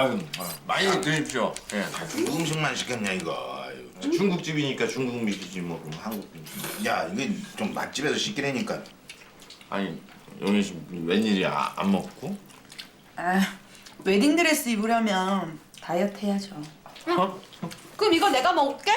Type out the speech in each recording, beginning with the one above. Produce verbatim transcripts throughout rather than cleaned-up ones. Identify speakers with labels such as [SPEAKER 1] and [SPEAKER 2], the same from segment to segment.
[SPEAKER 1] 아유, 많이 드십시오. 예.
[SPEAKER 2] 다 중국 음식만 시켰냐 이거. 아유.
[SPEAKER 1] 중국집이니까 중국 음식이지 뭐 그럼 한국 음식.
[SPEAKER 2] 야 이게 좀 맛집에서 시키라니까.
[SPEAKER 1] 아니 영희 씨 웬일이야 안 먹고?
[SPEAKER 3] 아, 웨딩드레스 입으려면 다이어트 해야죠.
[SPEAKER 1] 어?
[SPEAKER 4] 그럼 이거 내가 먹을게.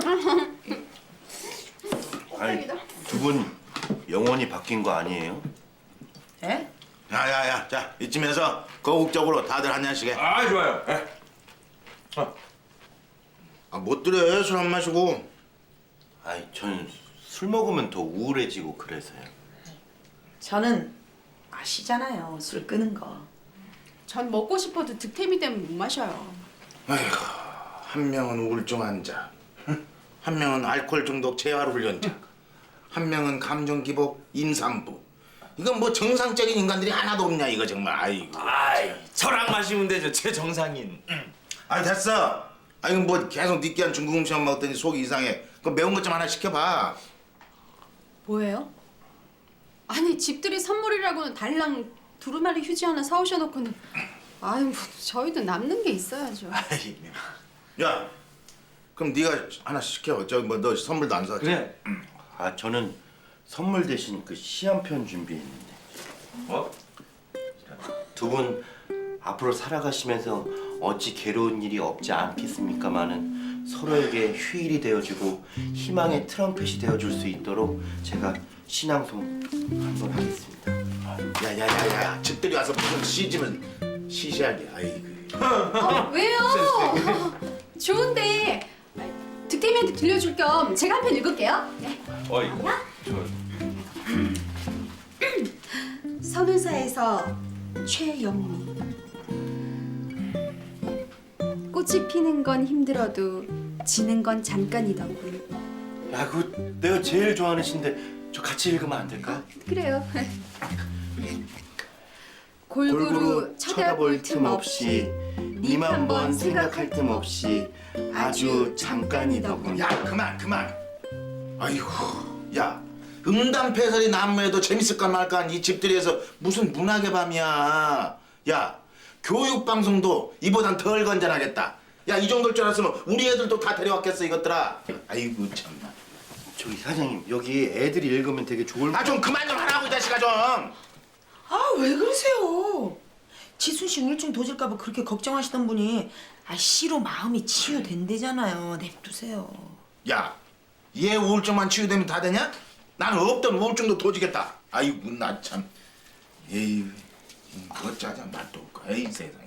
[SPEAKER 5] 아니 두 분 영원히 바뀐 거 아니에요?
[SPEAKER 3] 예?
[SPEAKER 2] 야야야, 자 이쯤에서 거국적으로 다들 한 잔씩 해.
[SPEAKER 1] 아 좋아요. 예. 어.
[SPEAKER 2] 아, 못 들여 술 안 마시고.
[SPEAKER 5] 아이 저는 술 먹으면 더 우울해지고 그래서요.
[SPEAKER 3] 저는 아시잖아요, 술 끄는 거.
[SPEAKER 4] 전 먹고 싶어도 득템이 되면 못 마셔요.
[SPEAKER 2] 아이고, 한 명은 우울증 환자, 한 명은 알코올 중독 재활 훈련자, 한 명은 감정 기복 임산부. 이건 뭐 정상적인 인간들이 하나도 없냐 이거 정말. 아이고.
[SPEAKER 1] 아이 저랑 마시면 되죠 제 정상인.
[SPEAKER 2] 아이 됐어. 아이 뭐 계속 느끼한 중국 음식만 먹더니 속이 이상해. 그 매운 것 좀 하나 시켜봐.
[SPEAKER 4] 뭐예요? 아니 집들이 선물이라고는 달랑 두루마리 휴지 하나 사오셔놓고는 아유 뭐 저희도 남는 게 있어야죠.
[SPEAKER 2] 아이, 야, 그럼 네가 하나 시켜. 저기 뭐 너 선물도 안 사왔지?
[SPEAKER 1] 그래.
[SPEAKER 5] 아 저는 선물 대신 그 시 한 편 준비했는데.
[SPEAKER 1] 뭐?
[SPEAKER 5] 두 분 앞으로 살아가시면서 어찌 괴로운 일이 없지 않겠습니까마는 서로에게 휴일이 되어주고 희망의 트럼펫이 되어줄 수 있도록 제가 신앙송 한번 하겠습니다.
[SPEAKER 2] 야야야야, 집들이 와서 무슨 시집은 시시하게. 아이고.
[SPEAKER 4] 어, 왜요? 좋은데 득템이한테 들려줄 겸 제가 한 편 읽을게요. 네.
[SPEAKER 1] 어이. 저
[SPEAKER 4] 선운사에서 최영미. 꽃이 피는 건 힘들어도 지는 건 잠깐이더군.
[SPEAKER 5] 야 그거 내가 제일 좋아하는 시인데 저 같이 읽으면 안 될까?
[SPEAKER 4] 그래요. 골고루 쳐다볼 틈 없이 님 한 번 생각할 틈 없이 아주 잠깐이더군.
[SPEAKER 2] 야 그만 그만. 아이고, 야 음담패설이 난무해도 재밌을까 말까 이 집들이에서 무슨 문학의 밤이야. 야 교육방송도 이보단 덜 건전하겠다. 야 이 정도일 줄 알았으면 우리 애들도 다 데려왔겠어 이것들아. 아이고 참나.
[SPEAKER 5] 저기 사장님 여기 애들이 읽으면 되게 좋을
[SPEAKER 2] 아 좀 그만 좀 하라고 이 자식아 좀.
[SPEAKER 3] 아, 왜 그러세요? 지순 씨 우울증 도질까 봐 그렇게 걱정하시던 분이 아, 씨로 마음이 치유된대잖아요. 냅두세요.
[SPEAKER 2] 야, 얘 우울증만 치유되면 다 되냐? 나는 없던 우울증도 도지겠다. 아이고 나 참. 에이, 그거 짜자 맛도 없고. 에이 세상.